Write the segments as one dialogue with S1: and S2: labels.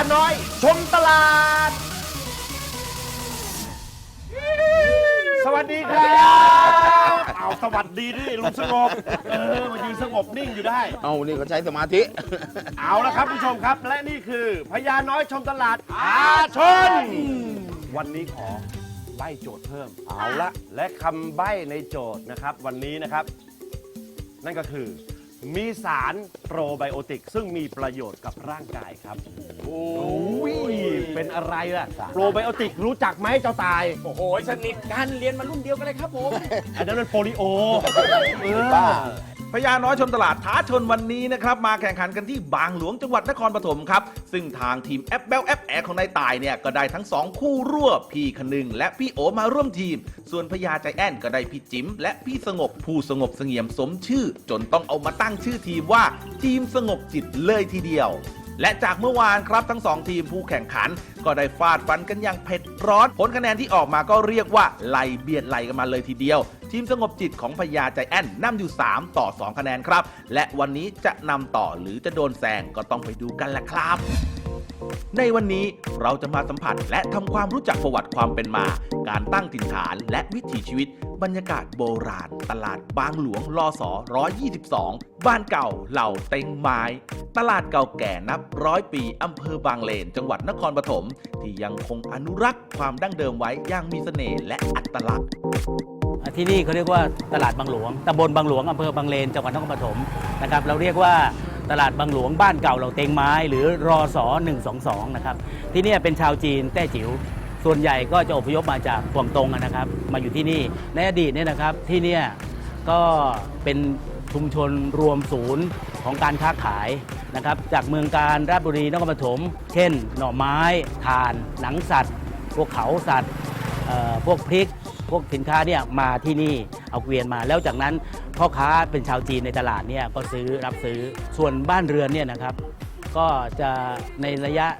S1: น้อยชมตลาดสวัสดีครับเอาสวัสดีดิลุงสงบมายืนสงบนิ่งอยู่ได้
S2: เอานี่ก็ใช้สมาธิ
S1: เอาละครับผู้ชมครับและนี่คือพญาน้อยชมตลาดอาชนวันนี้ขอใบ้โจทย์เพิ่มเอาละและคำใบ้ในโจทย์นะครับวันนี้นะครับนั่นก็คือมีสารโปรไบโอติกซึ่งมีประโยชน์กับร่างกายครับโอ้ยเป็นอะไรล่ะโปรไบโอติกรู้จักไหมเจ้าตายโอ้โหสนิทกันเรียนมารุ่นเดียวกันเลยครับผมอันนั้นมันโปลิโอ
S3: พญาน้อยชมตลาดท้าชนวันนี้นะครับมาแข่งขันกันที่บางหลวงจังหวัดนครปฐมครับซึ่งทางทีมแอปเบลแอปแอร์ของนายตายเนี่ยก็ได้ทั้ง2คู่รวบพี่คนึงและพี่โอมาร่วมทีมส่วนพญาใจแอนก็ได้พี่จิ๋มและพี่สงบผู้สงบเสงี่ยมสมชื่อจนต้องเอามาตั้งชื่อทีมว่าทีมสงบจิตเลยทีเดียวและจากเมื่อวานครับทั้ง2ทีมผู้แข่งขันก็ได้ฟาดฟันกันอย่างเผ็ดร้อนผลคะแนนที่ออกมาก็เรียกว่าไล่เบียดไล่กันมาเลยทีเดียวทีมสงบจิตของพญาใจแอนนำอยู่3ต่อ2คะแนนครับและวันนี้จะนำต่อหรือจะโดนแซงก็ต้องไปดูกันละครับในวันนี้เราจะมาสัมผัสและทำความรู้จักประวัติความเป็นมาการตั้งถิ่นฐานและวิถีชีวิตบรรยากาศโบราณตลาดบางหลวงลศ122บ้านเก่าเหล่าเต็งไม้ตลาดเก่าแก่นับ100 ปีอำเภอบางเลนจังหวัดนครปฐมที่ยังคงอนุรักษ์ความดั้งเดิมไว้อย่างมีเสน่ห์และอัตลักษณ์
S4: ที่นี่เขาเรียกว่าตลาดบางหลวงตำบลบางหลวงอำเภอบางเลนจังหวัดนครปฐมนะครับเราเรียกว่าตลาดบางหลวงบ้านเก่าเหล่าเต็งไม้หรือรศ122นะครับที่นี่เป็นชาวจีนแต้จิ๋วส่วนใหญ่ก็จะอพยพมาจากกวางตงนะครับมาอยู่ที่นี่ในอดีตเนี่ยนะครับที่นี่ก็เป็นชุมชนรวมศูนย์ของการค้าขายนะครับจากเมืองการราชบุรีนครปฐมเช่นหน่อไม้ถ่านหนังสัตว์พวกเขาสัตว์พวกพริกพวกสินค้าเนี่ยมาที่นี่เอาเกวียนมาแล้วจากนั้นพ่อค้าเป็นชาวจีนในตลาดเนี่ยก็รับซื้อส่วนบ้านเรือนเนี่ยนะครับก็จะในระยะ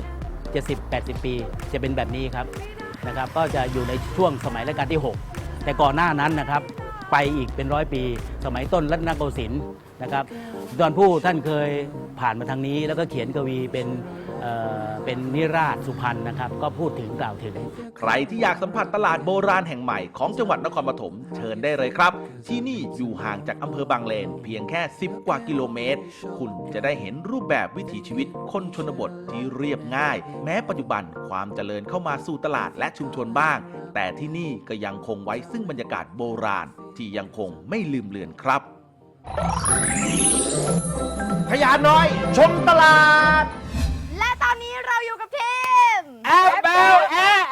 S4: 70-80 ปีจะเป็นแบบนี้ครับนะครับก็จะอยู่ในช่วงสมัยรัชกาลที่ 6แต่ก่อนหน้านั้นนะครับไปอีกเป็น100 ปีสมัยต้นรัตนโกสินทร์นะครับดอนผู้ท่านเคยผ่านมาทางนี้แล้วก็เขียนกวีเป็นนิราศสุพรรณนะครับก็พูดถึงกล่าวถึง
S3: ใครที่อยากสัมผัสตลาดโบราณแห่งใหม่ของจังหวัดนครปฐมเชิญได้เลยครับที่นี่อยู่ห่างจากอำเภอบางเลนเพียงแค่10 กว่ากิโลเมตรคุณจะได้เห็นรูปแบบวิถีชีวิตคนชนบทที่เรียบง่ายแม้ปัจจุบันความเจริญเข้ามาสู่ตลาดและชุมชนบ้างแต่ที่นี่ก็ยังคงไว้ซึ่งบรรยากาศโบราณที่ยังคงไม่ลืมเลือนครับ
S1: พญาน้อยชมตลาด
S5: และตอนนี้เราอยู่กับทีม
S1: แอปเบลแอร์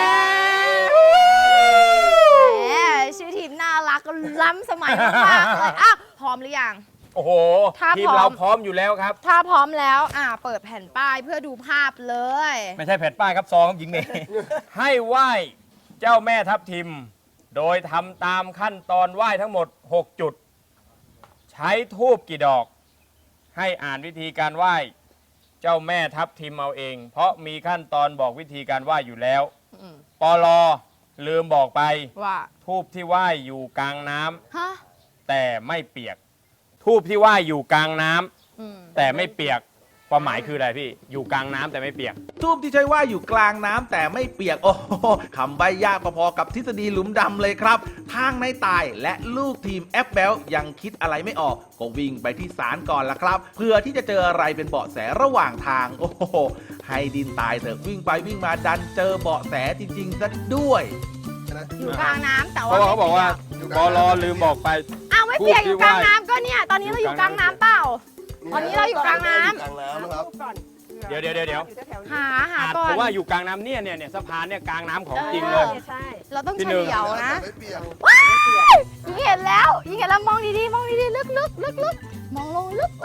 S5: ชื่อทีมน่ารักล้ำสมัยมากๆเลยพร้อมหรือยัง
S1: โอ้โห
S5: ที
S1: มเราพร้อมอยู่แล้วครับ
S5: ถ้าพร้อมแล้วเปิดแผ่นป้ายเพื่อดูภาพเลย
S1: ไม่ใช่แผ่นป้ายครับซองครับหญิงเมย์ให้ไหว้เจ้าแม่ทับทิมโดยทำตามขั้นตอนไหว้ทั้งหมด6 จุดใช้ธูปกี่ดอกให้อ่านวิธีการไหว้เจ้าแม่ทับทิมเอาเองเพราะมีขั้นตอนบอกวิธีการไหว้อยู่แล้วปลลืมบอกไป
S5: ว่า
S1: ธูปที่ไหว้อยู่กลางน้ำแต่ไม่เปียกธูปที่ไหว้อยู่กลางน้ำแต่ไม่เปียกความหมายคืออะไรพี่อยู่กลางน้ำแต่ไม่เปียก
S3: ทูบที่ใช้ว่าอยู่กลางน้ำแต่ไม่เปียกโอ้โหคำใบยากพอๆกับทฤษฎีหลุมดำเลยครับทางนายตายและลูกทีมแอปเบลยังคิดอะไรไม่ออกก็วิ่งไปที่ศาลก่อนละครับเพื่อที่จะเจออะไรเป็นเบาะแสระหว่างทางโอ้โหให้ดินตายเถอะวิ่งไปวิ่งมาดันเจอเบาะแสจริงๆซะด้วย
S5: อยู่กลางน้ำแต่ว่า
S1: เขาบอกว่าปลลืมบอกไป
S5: ไม่เปียกอยู่กลางน้ำก็เนี่ยตอนนี้เราอยู่กลางน้ำเปล่าตอนนี้เราอยู่กลางน้ำ
S1: เดี๋ยว
S5: หาก่อน
S1: เพราะว่าอยู่กลางน้ำเนี่ยสะพานเนี่ยกลางน้ำของจริงเลย
S5: เราต้องเฉลียวนะว้ายยิงเห็นแล้วมองดีๆลึกมองลงลึก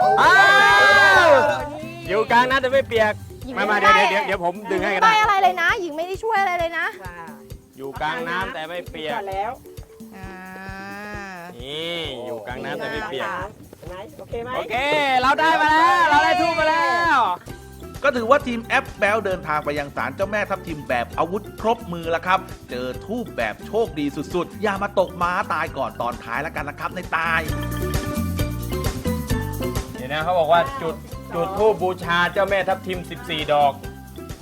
S1: อยู่กลางน้ำแต่ไม่เปียกมาเดี๋ยวผมดึงให้กัน
S5: ได้อะไรเลยนะหญิงไม่ได้ช่วยอะไรเลยนะ
S1: อยู่กลางน้ำแต่ไม่เปียก
S6: แล้ว
S1: นี่อยู่กลางน้ำแต่ไม่เปียก
S6: โอเคไหม
S1: โอเคเราได้มาแล้วเราได้ทูบมาแล้ว
S3: ก็ถือว่าทีมแอปแบลเดินทางไปยังศาลเจ้าแม่ทับทิมแบบอาวุธครบมือแล้วครับเจอทูบแบบโชคดีสุดๆอย่ามาตกม้าตายก่อนตอนท้ายแล้วกันนะครับในตาย
S1: เดี๋ยวนะเขาบอกว่าจุดธูปบูชาเจ้าแม่ทับทิม14 ดอก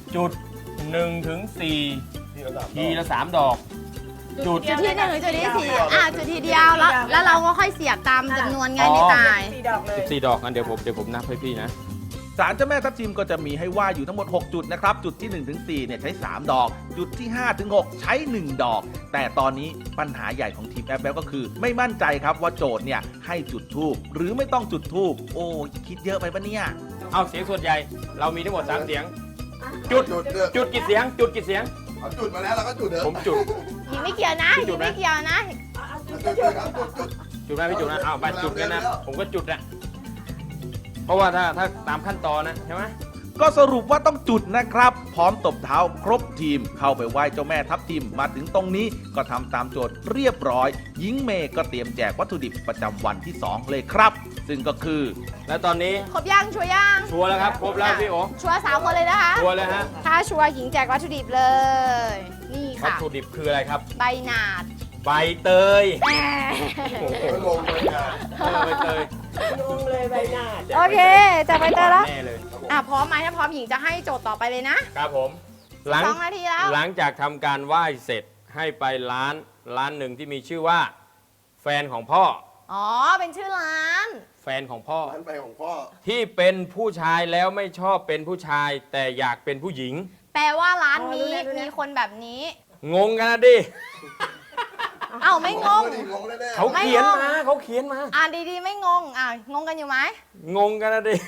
S2: จุด1 ถึง 4 ทีละ 3 ดอก จุด
S5: จุดที่หนึ่งหรือจุดที่สี่จุดทีเดียวแล้วเราก็ค่อยเสียบตามจำนวนไงในตาย
S2: 4 ดอกกันเดี๋ยวผมนับให้พี่นะ
S3: ศาลเจ้าแม่ทับทิมก็จะมีให้ไหว้อยู่ทั้งหมด 6 จุดนะครับ จุดที่ 1 ถึง 4 เนี่ยใช้ 3 ดอก จุดที่ 5 ถึง 6 ใช้ 1 ดอก แต่ตอนนี้ปัญหาใหญ่ของทีมแอปแบลก็คือ ไม่มั่นใจครับว่าโจทย์เนี่ยให้จุดทูบหรือไม่ต้องจุดทูบโอ้คิดเยอะไปปะเนี่ย
S2: เอาเสียงส่วนใหญ่ เรามีทั้งหมด 3 เสียง จุด จุดกี่เสียง จุดกี่เสียง
S6: เอาจุดมาแล้วเราก็จุดเถอะ
S2: ผมจุด
S5: หญิงไม่เกี่ยวนะหญิงไม่เกี่ยวนะ
S6: จุดครับจุด
S2: จุดไหมพี่จุดนะเอาไปจุดกันนะ ผมก็จุดนะเพราะว่าถ้าตามขั้นตอนนะใช่ไหม
S3: ก็สรุปว่าต้องจุดนะครับ พร้อมตบเท้าครบทีม เข้าไปไหว้เจ้าแม่ทับทิมมาถึงตรงนี้ก็ทำตามโจทย์เรียบร้อยหญิงเมย์ก็เตรียมแจกวัตถุดิบประจำวันที่ 2 เลยครับ ซึ่งก็คือ
S2: แล้วตอนนี้
S5: ครบยังชัวร์ยัง
S2: ชัวร์แล้วครับ ครบแล้วพี่โอ
S5: ชัวร์3 คนเลยนะคะ
S2: ชัวร์เลยฮะ
S5: ถ้าชัวร์หญิงแจกวัตถุดิบเลย นี่
S2: วัต
S5: ค่ะ
S2: ถุดิบคืออะไรครับ
S5: ใบหนาด
S2: ใบเตย
S5: แหม
S2: โอ้โห
S6: ๆงงเลยอ่ะ
S2: ใบเตย
S5: โอเคจับใบเตยแล้ว
S2: แน่เลย
S5: พร้อมไหมถ้าพร้อมหญิงจะให้โจทย์ต่อไปเลยนะครับ
S2: ผม
S5: 2 นาทีแล้ว
S2: หลังจากทำการไหว้เสร็จให้ไปร้านหนึ่งที่มีชื่อว่า แฟนของพ่อ
S5: อ๋อ เป็นชื่อร้าน
S2: แฟนของพ่อ
S6: ร้านไปของพ่อ
S2: ที่เป็นผู้ชายแล้วไม่ชอบเป็นผู้ชาย แต่อยากเป็นผู้หญิง
S5: แปลว่าร้านนี้มีคนแบบนี้
S2: งงกันนะดิ
S5: เอ้าไม่งง
S6: งงแน่ๆ
S2: เขาเขียนมาเขาเขียนมา
S5: อ่านดีๆไม่งง งงกันอยู่ไหม
S2: งงกันนะดิ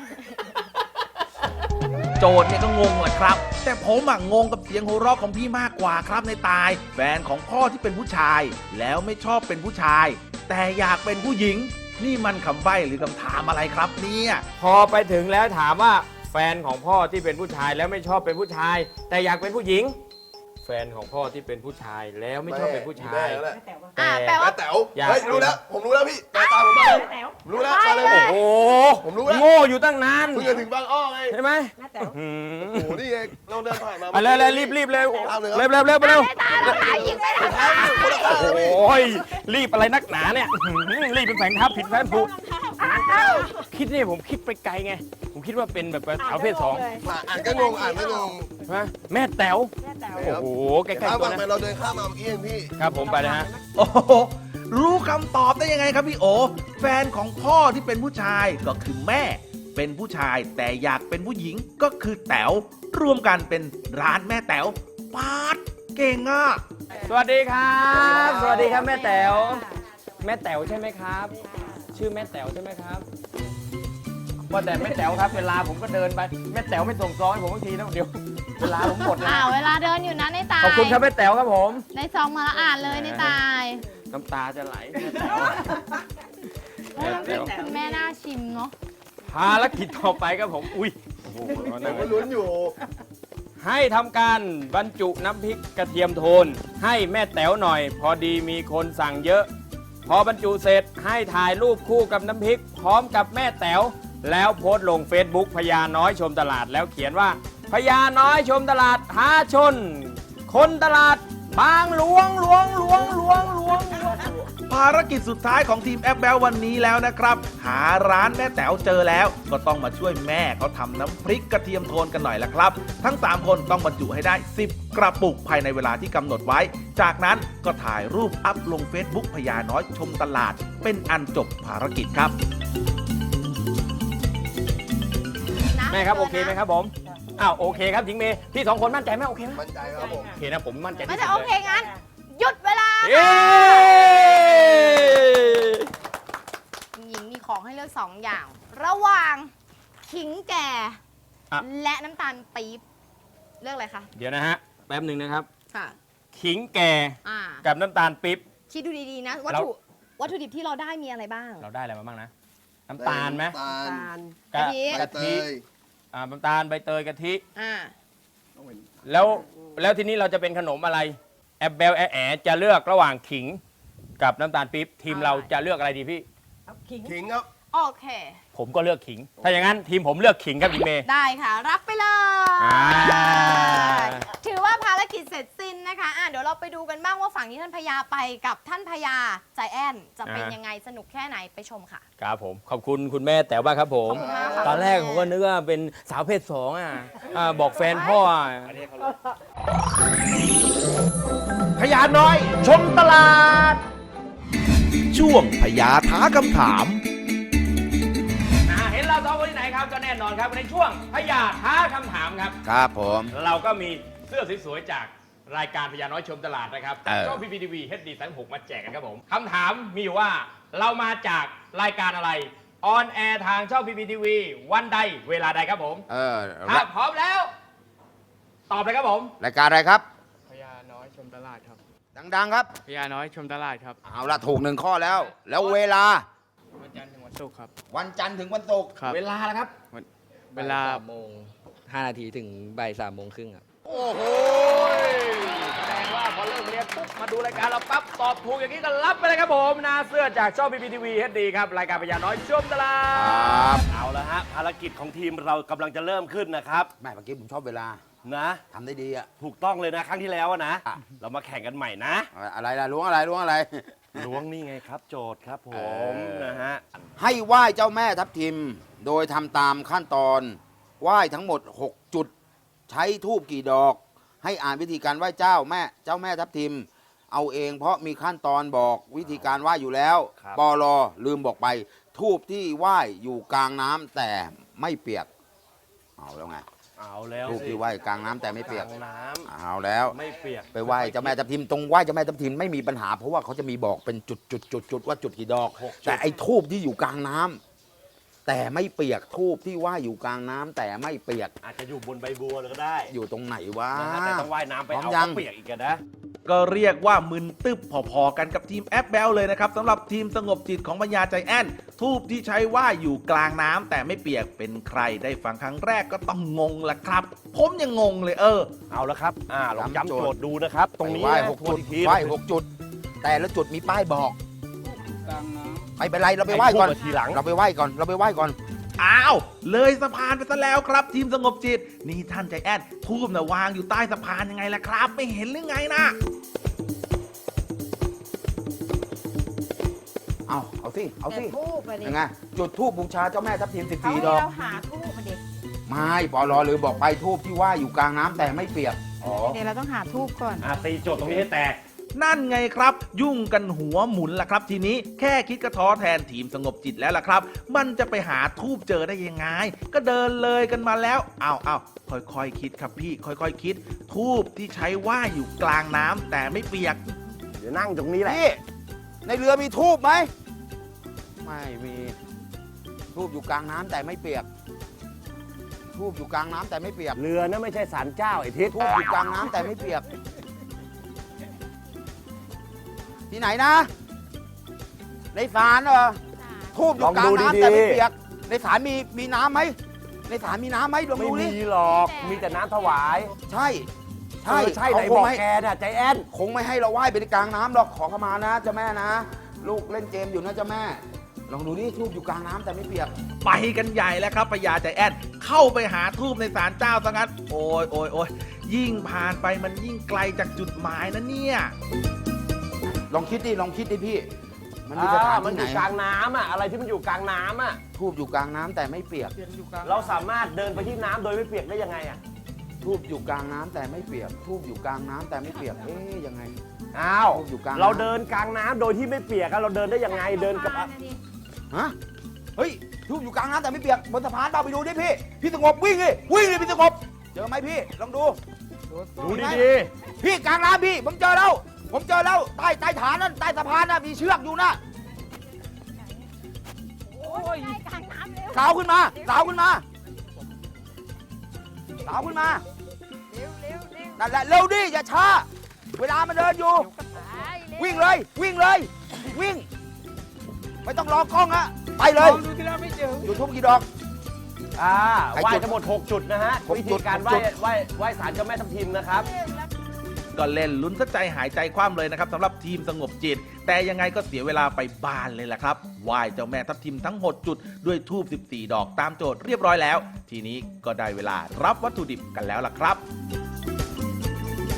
S3: โจทย์เนี่ยก็งงแหละครับ แต่ผมงงกับเสียงหัวเราะของพี่มากกว่าครับในตาย แฟนของพ่อที่เป็นผู้ชาย แล้วไม่ชอบเป็นผู้ชาย แต่อยากเป็นผู้หญิง นี่มันคำใบ้หรือคำถามอะไรครับเนี่ย
S2: พอไปถึงแล้วถามว่าแฟนของพ่อที่เป็นผู้ชายแล้วไม่ชอบเป็นผู้ชาย แต่อยากเป็นผู้หญิง แฟนของพ่อที่เป็นผู้ชายแล้วไม่ชอบเป็นผู้ชาย
S6: แม่
S5: แปลว่า
S6: แต๋ว
S2: อยาก
S6: เฮ้ยรู้แล้ว ผมรู้แล้วพี่ตามผมมาผมรู้แล้วมาเลย
S2: โอ้โห
S6: ผมรู้แล้ว
S2: โง่อยู่ตั้งนาน
S6: เพิ่งจะถึงบางอ้อไง
S2: ใช่ไหไหม
S6: โอ้โหนี่ไงเราเดินผ่านมา
S2: เอาเลยรีบเร็วเร็ว
S6: ตามเลย
S2: เร็วเร็วเร็วเร็ว
S5: ไม่ตายแล้วค่ะหญิงไม่ทำ
S2: โอ้ยรีบอะไรนักหนาเนี่ยรีบเป็นแฝงทับผิดแฝงผูกคิดเนี่ยผมคิดไปไกลไง ผมคิดว่าเป็นแบบสาวเพศ2
S6: อ่านก็งงอ่านไม่งง
S2: ใช่ไหมแม่แต๋วโอ้โหใกล้
S6: ข้าม
S2: ๆตัว
S6: ฝั่งไป
S2: นะ
S6: เราเดินข้ามมาเมื่อกี้เองพี่
S2: ครับผมไปนะฮะ
S3: โอ้โหรู้คำตอบได้ยังไงครับพี่โอ แฟนของพ่อที่เป็นผู้ชายก็คือแม่ เป็นผู้ชายแต่อยากเป็นผู้หญิงก็คือแต๋วรวมกันเป็นร้านแม่แต๋วปาดเก่งอ่ะ
S2: สวัสดีครับ สวัสดีครับแม่แต๋วแม่แต๋วใช่ไหมครับ ชื่อแม่แต๋วใช่ไหมครับว่าแต่แม่แต๋วครับเวลาผมก็เดินไปแม่แต๋วไม่ส่งซองให้ผมบางทีนะเดี๋ยวเวลาผมหมดแล้ว
S5: เวลาเดินอยู่นะในตาย
S2: ขอบคุณครับแม่แต๋วครับผม
S5: ในซองมาแล้วอ่านเลยในตาย
S2: น้ำตาจะไหลแม่แต๋วแม่แต๋ว
S5: คุณแม่น่าชิมเนาะ
S2: ภารกิจต่อไปครับผมอุ้ยโอ้โห
S6: ผ
S2: นั่
S6: ม
S2: ง
S6: ก็ลุ้นอยู่
S2: ให้ทำการบรรจุน้ำพริกกระเทียมโทน ให้แม่แต๋วหน่อย พอดีมีคนสั่งเยอะ พอบรรจุเสร็จให้ถ่ายรูปคู่กับน้ำพริก พร้อมกับแม่แต๋วแล้วโพสต์ลง Facebook พญาน้อยชมตลาดแล้วเขียนว่าพญาน้อยชมตลาดท้าชน คนตลาดบางหลวง
S3: ภารกิจสุดท้ายของทีมแอปแบลวันนี้แล้วนะครับ หาร้านแม่แต๋วเจอแล้ว ก็ต้องมาช่วยแม่เขาทำน้ำพริกกระเทียมโทนกันหน่อยละครับ ทั้ง 3 คนต้องบรรจุให้ได้ 10 กระปุกภายในเวลาที่กำหนดไว้ จากนั้นก็ถ่ายรูปอัพลง Facebook พญาน้อยชมตลาด เป็นอันจบภารกิจครับ
S2: แม่ครับโอเคไหมครับผมอ้าวโอเคครับทิงเมย์พี่2 คนมั่นใจไหมโอเคไหม
S6: มั่นใจครับผม
S2: โอเคนะผมมั่นใจ
S5: ไม่
S2: ที่
S5: ใช่
S2: สุ
S5: โอ
S2: ด
S5: เค
S2: เลย
S5: งั้น หยุดเวลา
S2: เย้
S5: หญิงมีของให้เลือก 2 อย่าง ระหว่างขิงแก่ และน้ำตาลปี๊บเลือกอะไรคะ
S2: เดี๋ยวนะฮะแป๊บหนึ่งนะครับ
S5: ค่ะ
S2: ขิงแก่ กับน้ำตาลปิ๊บ
S5: คิดดูดีๆนะ วัตถุดิบที่เราได้มีอะไรบ้าง
S2: เราได้อะไรมาบ้างนะ น้ำตาลไหม
S6: น้ำตาล
S5: กะทิ
S2: กะทิ
S6: ใบเตย
S2: น้ำตาลใบเตยกะทิ
S5: อ่า
S2: แล้วทีนี้เราจะเป็นขนมอะไรแอบเบลแอจะเลือกระหว่างขิงกับน้ำตาลปิ๊บทีมเราจะเลือกอะไรดีพี่
S6: ขิงครับ
S5: โอเค
S2: ผมก็เลือกขิง ถ้าอย่างนั้นทีมผมเลือกขิงครับพี่เมย์
S5: ได้ค่ะ รับไปเลย
S2: อ่า
S5: ถือว่าว่าภารกิจเสร็จสิ้นนะคะเดี๋ยวเราไปดูกันบ้างว่าฝั่งที่ท่านพญาไปกับท่านพญาใจแอนจะเป็นยังไงสนุกแค่ไหนไปชมค่ะ
S2: ครับผมขอบคุณคุณแม่แต๋วบ้างครับผม
S5: ขอบคุณมากครับ
S2: ตอนแรกผมก็นึกว่าเป็นสาวเพศสองบอกแฟนพ่อ
S1: พญาน้อยชมตลาด
S3: ช่วงพญาท้าคำถาม
S2: เห็นเราสองคนที่ไหนครับก็แน่นอนครับในช่วงพญาท้าคำถามครับ
S6: ครับผม
S2: เราก็มีเสื้อสวยๆจากรายการพญาน้อยชมตลาดนะครับ
S6: เออ
S2: ช่อง PPTV HD 36มาแจกกันครับผมคำถามมีอยู่ว่าเรามาจากรายการอะไรออนแอร์ทางช่อง PPTV วันใดเวลาใดครับผม ถ้าพร้อมแล้ว ตอบเลยครับผม
S6: รายการอะไรครับ
S7: พญาน้อยชมตลาดครับ
S6: ดังๆครับ
S7: พญาน้อยชมตลาดครับ
S6: เอาละถูก1 ข้อแล้ว แล้วเวลา
S7: วันจันทร์ถึงวันศุกร์ครับ
S6: วันจันทร์ถึงวันศุกร์
S7: ครับ
S2: เวลาแล้วครับ
S7: เวลา
S8: 3 โมง 5 นาทีถึงบ่าย 3 โมงครึ่งครับ
S6: โอ้โห
S2: แสดงว่าพอเลิกเรียนปุ๊บมาดูรายการเราปั๊บตอบถูกอย่างนี้ก็รับไปเลยครับผมนะเสื้อจากช่อง PPTV HD ครับรายการพญาน้อยชมตลา
S6: ครับ
S2: ด
S1: เอาละฮะภารกิจของทีมเรากำลังจะเริ่มขึ้นนะครับ
S6: แม่เมื่อกี้ผมชอบเวลา
S1: นะ
S6: ทำได้ดีอะ
S1: ถูกต้องเลยนะครั้งที่แล้วอะนะ
S6: อ่ะ
S1: เรามาแข่งกันใหม่นะ
S6: อะไรล่ะล้วงอะไรล้วงอะไร
S1: ล้วงนี่ไงครับ โจทย์ครับผม นะฮะ
S6: ให้ไหว้เจ้าแม่ทับทิม โดยทำตามขั้นตอนไหว้ทั้งหมด 6 จุด ใช้ทูบกี่ดอก ให้อ่านวิธีการไหว้เจ้าแม่ทับทิม เอาเองเพราะมีขั้นตอนบอกวิธีการไหว้อยู่แล้ว
S1: ครับ
S6: ปลลืมบอกไป ทูบที่ไหว้อยู่กลางน้ำแต่ไม่เปียก เอาแล้วไง
S1: เอาแล้ว
S6: ทูบที่ไหว้กลางน้ำแต่ไม่เปียก
S1: กลางน้
S6: เอาแล้ว
S1: ำไม่เปียก
S6: ไปไหว้เจ้าแม่ทับทิมตรงไหว้เจ้าแม่ทับทิมไม่มีปัญหา เพราะว่าเขาจะมีบอกเป็นจุดว่าจุดกี่ดอก แต่ไอ้ทูบที่อยู่กลางน้ำแต่ไม่เปียกทูบที่ไหว้อยู่กลางน้ำแต่ไม่เปียก
S1: อาจจะอยู่บนใบบัวเลยก็ได้
S6: อยู่ตรงไหนวะ
S1: นะฮะแต่ต้องว่ายน้ำไป
S6: พร้อม
S1: เอา
S6: ยัง
S1: เขาเปียกอีกอะนะ
S3: ก็เรียกว่ามึนตึบพอๆกันกับทีมแอปแบลเลยนะครับสำหรับทีมสงบจิตของพญาใจแอนทูบที่ใช้ว่าอยู่กลางน้ำแต่ไม่เปียกเป็นใครได้ฟังครั้งแรกก็ต้องงงละครับ ผมยังงงเลย
S1: เอาละครับลองย้ำโจทย์ดูนะครับ ตรงนี้
S6: ไหว้
S1: นะ
S6: หก
S1: ทว
S6: จุ
S1: น
S6: ด
S1: อีกที
S6: ไหว้6 จุด แต่ละจุดมีป้ายบอก
S7: กลางน้
S6: ไม่เป็นไรเราไปไหว้ก่อน
S1: ไอ้ทูบมาทีหลัง
S6: เราไปไหว้ก่อนเราไปไหว้ก่อน
S3: อ้าว เลยสะพานไปซะแล้วครับ ทีมสงบจิต นี่ท่านใจแอนทูบนะวางอยู่ใต้สะพานยังไงล่ะครับ ไม่เห็นหรือไงนะ
S6: เอาสิเอาสิ
S5: ทูบมาดิ
S6: ยังไงจุดทูบบูชาเจ้าแม่ทับทิม
S5: เขา
S6: 14
S5: ให้
S6: ดอก
S5: เราหาทูบมาดิ
S6: ไม่ปลลืมบอกไปทูบที่ไหว้อยู่กลางน้ำแต่ไม่เปียกอ๋อ
S5: เดี๋ยวเราต้องหาทูบก่อน
S1: ตีโจทย์ตรงนี้ให้แตก
S3: นั่นไงครับ ยุ่งกันหัวหมุนล่ะครับทีนี้แค่คิดก็ท้อแทนทีมสงบจิตแล้วล่ะครับ มันจะไปหาทูบเจอได้ยังไง ก็เดินเลยกันมาแล้วเอาค่อยๆคิดครับพี่ค่อยๆคิด ทูบที่ใช้ไหว้อยู่กลางน้ำแต่ไม่เปียก
S1: เดี๋ยวนั่งตรงนี้แหละ
S6: พี่ในเรือมีทูบไหมไม่มีทูบอยู่กลางน้ำแต่ไม่เปียกทูบอยู่กลางน้ำแต่ไม่เปียก
S1: เรือนะไม่ใช่ศาลเจ้าไอ้ทิศ
S6: ทูบอยู่กลางน้ำแต่ไม่เปียก ที่ไหนนะ ในศาลเหรอทูบอยู่กลางน้ำแต่ไม่เปียก ในศาลมีน้ำไหมในศาลมีน้ำไหมลอง
S1: ไม่
S6: ดูดิ
S1: มีหรอก มีแต่น้ำถวาย
S6: ใช่ใช่
S1: ใช่ไหน
S6: เขาค
S1: บ
S6: ง
S1: อก
S6: ไม่
S1: แกน่ะใจแอน
S6: คงไม่ให้เราไหว้ไปในกลางน้ำหรอกขอเข้ามานะเจ้าแม่นะ ลูกเล่นเกมอยู่นะเจ้าแม่ ลองดูดิทูบอยู่กลางน้ำแต่ไม่เปียก
S3: ไปกันใหญ่แล้วครับพญาใจแอนเข้าไปหาทูบในศาลเจ้าซะงั้นโอ้ยยิ่งผ่านไปมันยิ่งไกลจากจุดหมายนะเนี่ย
S6: ลองคิดดิพี่ มันมีสถาน
S1: มัน
S6: ที่
S1: อ
S6: ไหน
S1: ยู่กลางน้ำอ่ะ อะไรที่มันอยู่กลางน้ำอ่ะ
S6: ทูบอยู่กลางน้ำแต่ไม่เปียก
S1: เราสามารถเดินไปที่น้ำโดยไม่เปียกได้ยังไงอ่ะ
S6: ทูบอยู่กลางน้ำแต่ไม่เปียก ทูบอยู่กลางน้ำแต่ไม่เปียก เอ๊ยยังไง
S1: อ้าว
S6: อยู่กลางน้ำ
S1: เราเดินกลางน้ำโดยที่ไม่เปียกอะเราเดินได้ยังไง เดินกับ
S6: ฮะ เฮ้ย ทูบอยู่กลางน้ำแต่ไม่เปียก บนสะพานเปล่าไปดูดิพี่ พี่สงบวิ่งดิพี่สงบ เจอไหมพี่ ลองดู
S1: ดูดี
S6: พี่กลางน้ำพี่ ผมเจอแล้ว ใต้ฐานนั่น ใต้สะพานน่ะมีเชือกอยู่นะ
S5: โอ้ยกลางน้ำเร็ว
S6: สาวขึ้นมา สาวขึ้นมา นั่นแหละเร็วดิ อย่าช้า เวลามันเดินอยู่ วิ่งเลย วิ่ง ไม่ต้องรอกล้องฮะไปเลย
S7: ดูที่เราไม่เจอ
S6: อยู่ทุ่มกี่ดอก
S1: ไหว้ทั้งหมด 6 จุดนะฮะ
S6: หก
S1: วิ
S6: จุ
S1: ธี
S6: ด
S1: การ
S6: หกจุด
S1: ไหว้ศาลเจ้าแม่ทับทิมนะครับ
S3: ก็เล่นลุ้นซะใจหายใจคว่ำเลยนะครับสำหรับทีมสงบจิต แต่ยังไงก็เสียเวลาไปบ้านเลยแหละครับไหว้เจ้าแม่ทับทิมทั้ง6จุดด้วยทูบ14 ดอกตามโจทย์เรียบร้อยแล้ว ทีนี้ก็ได้เวลารับวัตถุดิบกันแล้วล่ะครับ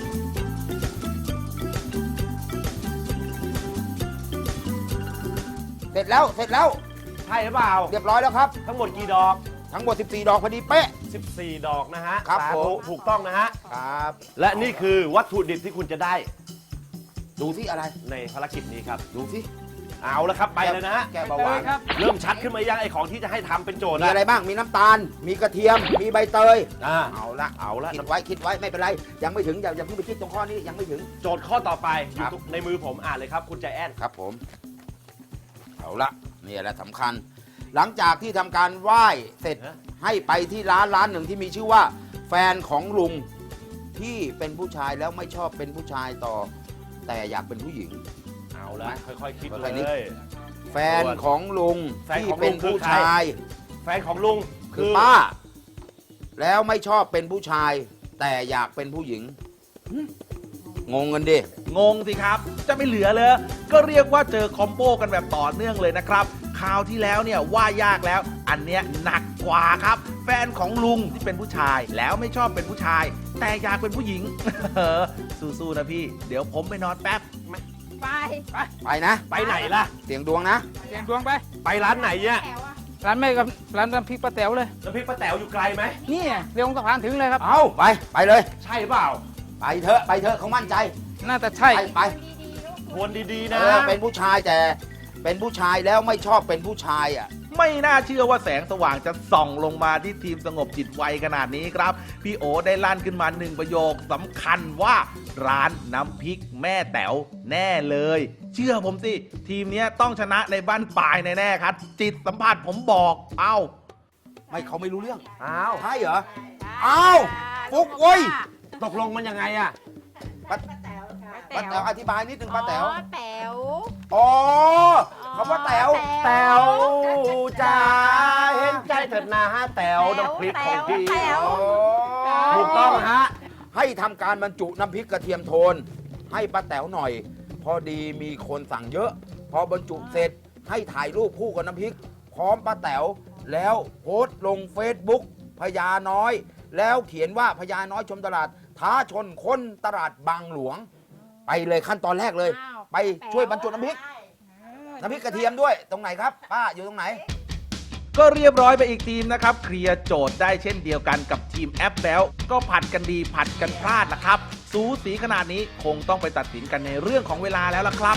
S6: แล้วเสร็จแล้ว
S1: ใช่หรือเปล่า
S6: เรียบร้อยแล้วครับ
S1: ทั้งหมดกี่ดอก
S6: ทั้งหมด 14 ดอกพอดีเป๊ะ
S1: 14 ดอกนะฮะ
S6: ครับ
S1: สา
S6: ผ
S1: ธุ
S6: ม
S1: ถูกต้องนะฮะ
S6: ครับ
S1: และนี่คือวัตถุดิบที่คุณจะได้
S6: ดูที่อะไร
S1: ในภารกิจนี้ครับ
S6: ดูที่
S1: เอาละครับไปเลยนะฮะ
S6: แก้เบาหวาน
S1: เริ่มชัดขึ้นมายังไอของที่จะให้ทำเป็นโจทย์
S6: มีอะไรบ้าง มีน้ำตาล มีกระเทียม มีใบเตย
S1: อ่า
S6: เอาละ
S1: เอาละ
S6: คิดไว้ไม่เป็นไร ยังไม่ถึงอย่าเพิ่งไปคิดตรงข้อนี้ยังไม่ถึง
S1: โจทย์ข้อต่อไปอ
S6: ครั
S1: ยู่
S6: บ
S1: ในมือผมอ่านเลยครับคุณใจแอน
S6: ครับผม เอาละนี่แหละสำคัญ หลังจากที่ทำการไหว้เสร็จให้ไปที่ร้านหนึ่งที่มีชื่อว่า แฟนของลุงที่เป็นผู้ชายแล้วไม่ชอบเป็นผู้ชายต่อ แต่อยากเป็นผู้หญิง
S1: เอาละค่อยๆคิด
S6: ค่
S1: เล
S6: อยๆนึก
S1: ย
S6: แฟนของลุง
S1: แฟน
S6: ที่
S1: ของลุง
S6: เป็นผู้
S1: คือใคร
S6: ชาย
S1: แฟนของลุง
S6: คือป้า แล้วไม่ชอบเป็นผู้ชาย แต่อยากเป็นผู้หญิงหึงงกันดิ
S3: งงสิครับ จะไม่เหลือเลย ก็เรียกว่าเจอคอมโบกันแบบต่อเนื่องเลยนะครับคราวที่แล้วเนี่ยว่ายากแล้ว อันเนี้ยหนักกว่าครับ แฟนของลุงที่เป็นผู้ชาย แล้วไม่ชอบเป็นผู้ชาย แต่อยากเป็นผู้หญิง สู้ๆนะพี่ เดี๋ยวผมไปนอนแป๊บ
S5: ไป
S6: ไปนะ
S1: ไปไหนล่ะ
S6: เสียงดวงนะ
S7: เสียงดวงไป
S1: ไปร้านไหนเนี่ย
S5: แถวอะ
S7: ร้านแม่กับร้านน้ำพริกป้าแต๋วเลย
S1: แล้วพี่ป้าแต๋วอยู่ไกลไหม
S7: นี่เรียงสะพานถึงเลยครับ
S6: เอาไปเลย
S1: ใช่เปล่า
S6: ไปเถอะเขามั่นใจ
S7: น่าจะใช่
S6: ไป
S1: ทวนดีๆ
S6: เอ
S1: นะ
S6: อเป็นผู้ชายแต่เป็นผู้ชายแล้วไม่ชอบเป็นผู้ชายอ่ะ
S3: ไม่น่าเชื่อว่าแสงสว่างจะส่องลงมาที่ทีมสงบจิตไวขนาดนี้ครับ พี่โอได้ลั่นขึ้นมาหนึ่งประโยคสำคัญว่าร้านน้ำพริกแม่แต๋วแน่เลย เชื่อผมสิ ทีมเนี้ยต้องชนะในบ้านปลายแน่ๆครับ จิตสัมผัสผมบอกเอ้า
S6: ไม่เขาไม่รู้เรื่อง
S1: อ้าว
S6: ใช่เหรอ อ้าวฟุกเว้ย
S1: ตกลงมันยังไงอะ
S6: ป้าแต๋วอธิบายนิดนึงป้าแต๋ว
S5: อ๋อแต๋ว
S6: อ๋อคำว่าแต๋ว
S1: แต๋วจ้าเห็นใจเถิดนะฮะแต๋วน้ำพริกของพี่
S5: แต๋ว
S1: ถูกต้องฮะ
S6: ให้ทำการบรรจุน้ำพริกกระเทียมโทน ให้ป้าแต๋วหน่อย พอดีมีคนสั่งเยอะ พอบรรจุเสร็จให้ถ่ายรูปคู่กับน้ำพริก พร้อมป้าแต๋วแล้วโพสต์ลง Facebook พญาน้อย แล้วเขียนว่าพญาน้อยชมตลาด ท้าชนคนตลาดบางหลวง ไปเลยขั้นตอนแรกเลย
S5: อ้าว
S6: ไปช่วยบรรจุน้ำพริก น้ำพริกกระเทียมด้วยตรงไหนครับป้าอยู่ตรงไหน
S3: ก็เรียบร้อยไปอีกทีมนะครับเคลียร์โจทย์ได้เช่นเดียวกันกับทีมแอปแบลก็ผัดกันดีผัดกันพลาดนะครับ สูสีขนาดนี้คงต้องไปตัดสินกันในเรื่องของเวลาแล้วล่ะครับ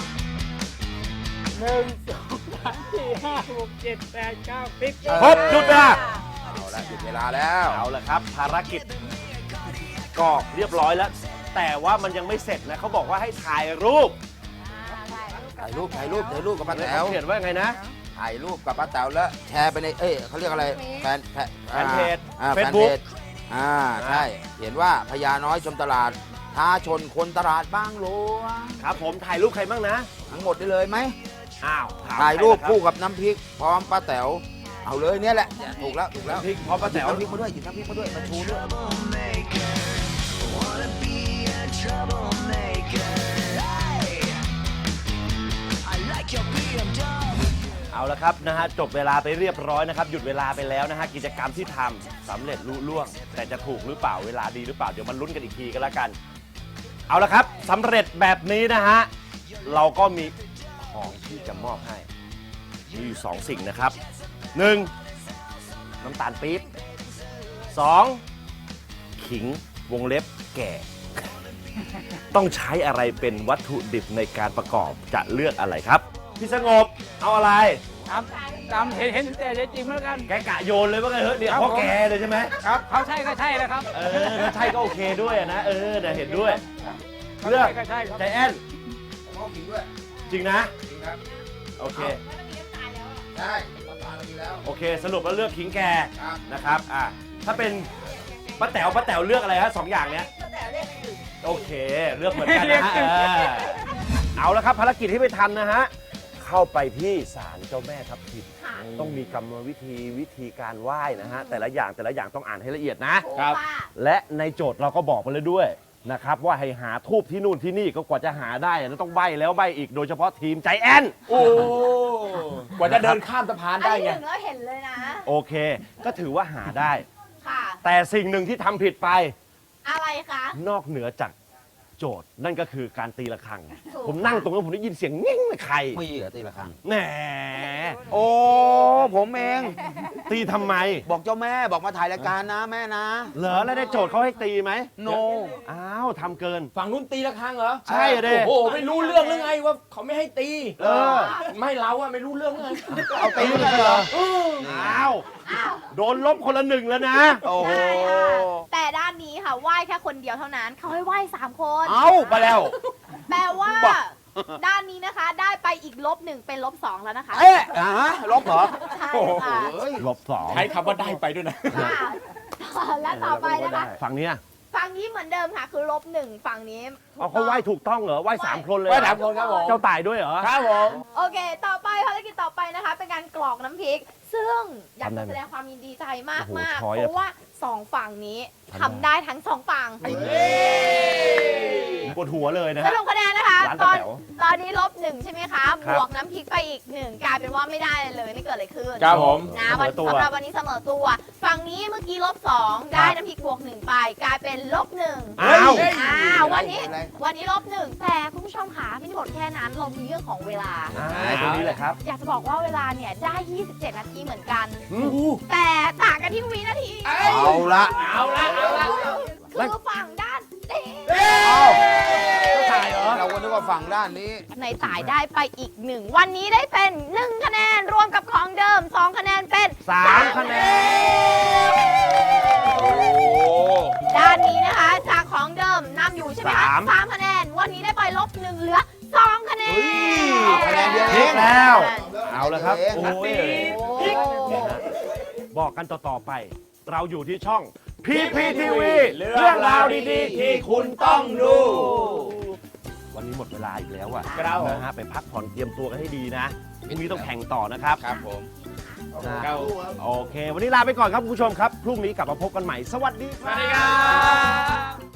S1: ครบหยุดเวลา
S6: เอาละหยุดเวลาแล้ว
S1: เอาละครับ ภารกิจก็เรียบร้อยแล้ว แต่ว่ามันยังไม่เสร็จนะเขาบอกว่าให้ถ่ายรูป
S6: ถ่ายรูปกับป้าแต๋ว
S1: เขาเขียนว่าไงนะ
S6: ถ่ายรูปกับป้าแต๋วแล้วแชร์ไปในเขาเรียกอะไรแฟน
S1: แฟนเพจ
S6: แฟนเพ
S1: Facebook
S6: จใช่เห็นว่าพญาน้อยชมตลาดท้าชนคนตลาดบางหลวง
S1: ครับผมถ่ายรูปใครบ้างนะ
S6: ทั้งหมดได้เลยไหม
S1: อ้าวถม
S6: ถ่ายรูป
S1: ใคะ
S6: คู่กับน้ำพริก พร้อมป้าแต๋วเอาเลยเนี่ยแหละถูกแล้ว
S1: น้ำพริกพร้อมป้าแต๋ว
S6: หยิบน้ำพริกมาด้วยหยิบน้ำพริกมาด้วยมาชูด้วย
S1: เอาละครับนะฮะจบเวลาไปเรียบร้อยนะครับหยุดเวลาไปแล้วนะฮะกิจกรรมที่ทำสำเร็จลุล่วง แต่จะถูกหรือเปล่าเวลาดีหรือเปล่าเดี๋ยวมันลุ้นกันอีกทีก็แล้วกัน เอาละครับสำเร็จแบบนี้นะฮะเราก็มีของที่จะมอบให้มีอยู่สองสิ่งนะครับ 1. น้ำตาลปี๊บ 2. ขิงวงเล็บแก่ ต้องใช้อะไรเป็นวัตถุดิบในการประกอบจะเลือกอะไรครับ พี่สงบเอาอะไร
S7: ตามเห็นแต่จริงแล้วกัน
S1: แกกะโยนเลยว่าไงเฮ้ยเนี่ย
S7: ครับ
S1: พ่อ
S7: ผม
S1: แกเลยใช่ไหม
S7: ครับเขาใช่ก็ใช่แล้วครับ
S1: ถ้าใช่ก็โอเคด้วยนะเดี๋ยวเห็นด้วย
S7: เขา
S1: เลือก
S7: ใช่ก็ใช่ครับ
S1: ใจแอน
S6: มอบขิงด้วย
S1: จริงนะ
S6: จริงครับ
S1: โอเค
S6: ใช่ป้าแต๋วมีแล้ว
S1: โอเค สรุปแล้วเลือกขิงแก
S6: ครับ
S1: นะครับถ้าเป็นป้าแต๋วเลือกอะไรฮะสองอย่างเนี้ยโอเค เลือกเหมือนกันนะฮะเอาละครับภารกิจที่ไปทำนะฮะเข้าไปที่ศาลเจ้าแม่ทับทิม
S5: ค่ะ
S1: ต้องมีกรรมวิธีการไหว้นะฮะแต่ละอย่างต้องอ่านให้ละเอียดนะ
S5: ครับ
S1: และในโจทย์เราก็บอกมาเลยด้วยนะครับว่าให้หาทูบที่นู่นที่นี่ก็กว่าจะหาได้นะต้องใบแล้วใบอีกโดยเฉพาะทีมใจแอนโอ้กว่าจะเดินข้ามสะพาน
S5: อัน
S1: ได้
S5: นี้
S1: ไง
S5: ถึงแล้วเห็นเลยนะ
S1: โอเค ก็ถือว่าหาได้
S5: ค่ะ
S1: แต่สิ่งหนึ่งที่ทำผิดไป
S5: อะไรคะ
S1: นอกเหนือจากโจทย์นั่นก็คือการตีระฆัง ผมนั่งตรงนั้นผมได้ยินเสียงงิ้งเลยใคร
S6: มีเหรอตีละครั้ง
S1: แหม
S6: โอ้ผมเอง
S1: ตีทำไม
S6: บอกเจ้าแม่บอกมาถ่ายรายการนะแม่นะ
S1: เหรอแล้วได้โจทย์เขาให้ตีไหม
S6: โน
S1: อ้าวทำเกิน
S2: ฝั่งนู้นตีระฆังเหรอ
S1: ใช่เด้
S2: โอ้โหไม่รู้เรื่องหรือไงว่าเขาไม่ให้ตี
S1: เออ
S2: ไม่เราอะไม่รู้เรื่องไง
S6: เอาตีเลยเหรอ
S1: อ้าวโดนลบคนละหนึ่งแล้วนะ
S6: โอ้โห
S5: ใช่ค่ะแต่ด้านนี้ค่ะไหว้แค่คนเดียวเท่านั้นเขาให้ไหว้3 คน
S6: เอาไปแล้ว
S5: แปลว่า
S6: บ้า
S5: ด้านนี้นะคะได้ไปอีก-1เป็น-2แล้วนะคะ
S6: เอ๊ะลบเหรอ
S5: ใช่ค่ะ
S6: เฮ้ย
S1: ลบสอง
S2: ใช้คำว่าได้ไปด้วยนะ
S5: ค่ะและต่อไปนะคะ
S1: ฝั่งเนี้ย
S5: ฝั่งนี้เหมือนเดิมค่ะคือ-1ฝั่งนี้
S1: เอาเขาไหว้ถูกต้องเหรอไหว้3 คนเลย
S2: ไหว้3 คนครับผม
S1: เจ้าตายด้วยเหรอ
S2: ครับผม
S5: โอเค ต่อไปภารกิจต่อไปนะคะ เป็นการกรอกน้ำพริก ซึ่งอยาก
S1: ทำได้
S5: จะ
S1: ไหม
S5: แสดงความยินดีใจมาก
S1: โอ้โห
S5: มาก
S1: ช้อยอะ
S5: เพราะว่า2ฝั่งนี้
S1: ทำ
S5: ทำ
S1: ได้
S5: ได้ทั้ง2ฝั่ง
S1: ปวดหัวเลยนะ
S5: ส
S1: ฮะ
S5: รุปคะแนนนะคะ
S1: ร้าน
S5: ต
S1: ป้า
S5: อน
S1: แต๋ว
S5: ตอนนี้-1ใช่ไหมคะ
S1: ครับ
S5: บวกน้ำพริกไปอีก1กลายเป็นว่าไม่ได้เลยนี่เกิดอะไรขึ้น
S2: ครับผม
S5: นะ
S1: เสมอตัว
S5: สำหรับวันนี้เสมอตัว ฝั่งนี้เมื่อกี้-2ได้น้ำพริกบวก1ไปกลายเป็น-1
S1: อ้าว
S5: วันนี้
S6: อะไร
S5: วันนี้-1แต่คุณผู้ชมค่ะไม่ได้หมดแค่นั้นเรามีเรื่องของเวลา
S1: ตรงนี้แหละครับ
S5: อยากจะบอกว่าเวลาเนี่ยได้ 27 นาทีเหมือนกัน
S1: อืม
S5: แต่ต่างกันที่วินาที
S6: เอาละ
S2: เอาละเอาละ
S5: คือฝั่งด้านเอ๊ะ
S1: เจ้าตายเหรอ
S6: เราก็นึกว่าฝั่งด้านนี้
S5: ในต่ายได้ไปอีก 1 วันนี้ได้เป็น 1 คะแนนรวมกับของเดิม 2 คะแนนเป็น
S1: 3 คะแนน
S5: ด้านนี้นะคะ จากของเดิมนำอยู่ใช่ไหมคะ 3 คะแนน วันนี้ได้ไป-1เหลือ 2 คะแนน
S6: คะแนนเดียว
S1: พ
S6: เอ
S1: ลิก
S6: ง
S1: แล้ว เอาละครับ
S6: โอ้
S1: โอ้
S6: ย
S1: ยบอกกันต่อๆไป เราอยู่ที่ช่อง PPTV
S2: เรื่องราวดีๆที่คุณต้องดู
S1: วันนี้หมดเวลาอีกแล้วอะ
S2: ครับผม
S1: นะฮะไปพักผ่อนเตรียมตัวกันให้ดีนะพรุ่งนี้ต้องแข่งต่อนะครับ
S6: ครับผม
S1: นะโอเค วันนี้ลาไปก่อนครับคุณผู้ชมครับ พรุ่งนี้กลับมาพบกันใหม่ สวัสดีค
S2: สวั
S1: รั
S2: สดีครับ บ